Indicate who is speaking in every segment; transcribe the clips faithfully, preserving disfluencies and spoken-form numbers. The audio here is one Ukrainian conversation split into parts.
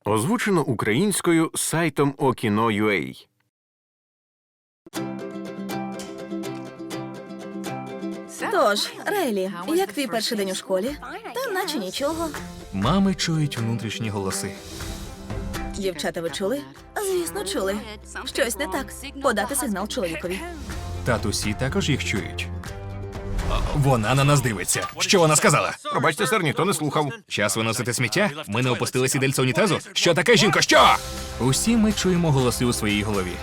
Speaker 1: Озвучено українською сайтом Okino.ua.
Speaker 2: Тож, Рейлі, як твій перший день у школі? Та наче нічого.
Speaker 3: Мами чують внутрішні голоси.
Speaker 2: Дівчата, ви чули? Звісно, чули. Щось не так. Подати сигнал чоловікові.
Speaker 3: Татусі також їх чують. Вона на нас дивиться. Що вона сказала?
Speaker 1: Пробачте, сер, ніхто не слухав.
Speaker 3: Час виносити сміття? Ми не опустили сідельце унітазу? Що таке, жінко? Що? Усі ми чуємо голоси у своїй голові.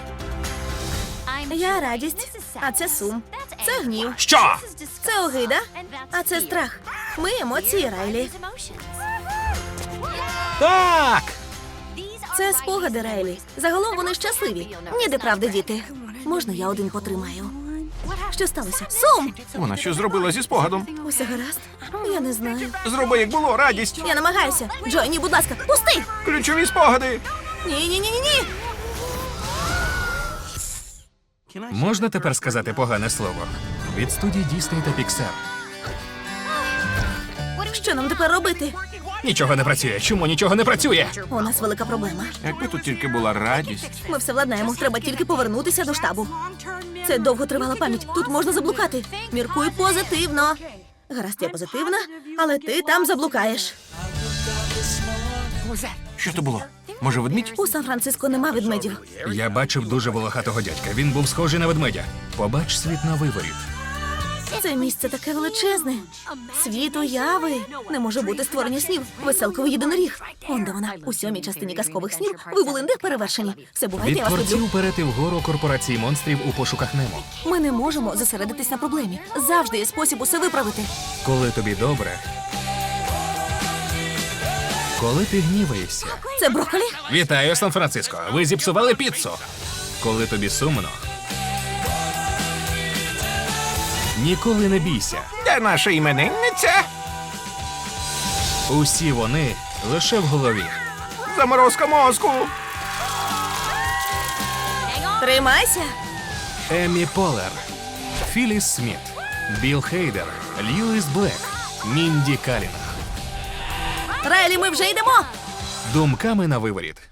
Speaker 2: Я радість, а це сум. Це гнів.
Speaker 3: Що?
Speaker 2: Це огида, а це страх. Ми емоції, Рейлі.
Speaker 3: Так!
Speaker 2: Це спогади, Рейлі. Загалом вони щасливі. Ніде правди, діти. Можна я один потримаю? Що сталося? Сум!
Speaker 1: Вона що зробила зі спогадом?
Speaker 2: Усе гаразд? Я не знаю.
Speaker 1: Зроби, як було, радість.
Speaker 2: Я намагаюся. Джой, ні, будь ласка, пусти!
Speaker 1: Ключові спогади.
Speaker 2: Ні-ні-ні-ні!
Speaker 3: Можна тепер сказати погане слово? Від студії Disney та Pixar.
Speaker 2: Що нам тепер робити?
Speaker 3: Нічого не працює. Чому нічого не працює?
Speaker 2: У нас велика проблема.
Speaker 1: Якби тут тільки була радість.
Speaker 2: Ми все владнаємо. Треба тільки повернутися до штабу. Це довготривала пам'ять. Тут можна заблукати. Міркуй позитивно. Гаразд, я позитивна, але ти там заблукаєш.
Speaker 1: Що то було? Може, ведмідь?
Speaker 2: У Сан-Франциско нема ведмедів.
Speaker 3: Я бачив дуже волохатого дядька. Він був схожий на ведмедя. Побач світ на виворіт.
Speaker 2: Це місце таке величезне. Світ уяви. Не може бути створення снів. Веселковий єдиноріг. Он де вона. У сьомій частині казкових снів ви були не перевершені. Все бувайте,
Speaker 3: Від
Speaker 2: я вас люблю.
Speaker 3: творців перети вгору корпорації монстрів у пошуках Немо.
Speaker 2: Ми не можемо зосередитись на проблемі. Завжди є спосіб усе виправити.
Speaker 3: Коли тобі добре. Коли ти гніваєшся.
Speaker 2: Це брокколі?
Speaker 3: Вітаю, Сан-Франциско. Ви зіпсували піцу. Коли тобі сумно. Ніколи не бійся.
Speaker 1: Де наша іменинниця?
Speaker 3: Усі вони лише в голові.
Speaker 1: Заморозка мозку.
Speaker 2: Тримайся.
Speaker 3: Еммі Полер, Філіс Сміт, Білл Хейдер, Льюіс Блек, Мінді Калінг.
Speaker 2: Рейлі, ми вже йдемо.
Speaker 3: Думками на виворіт.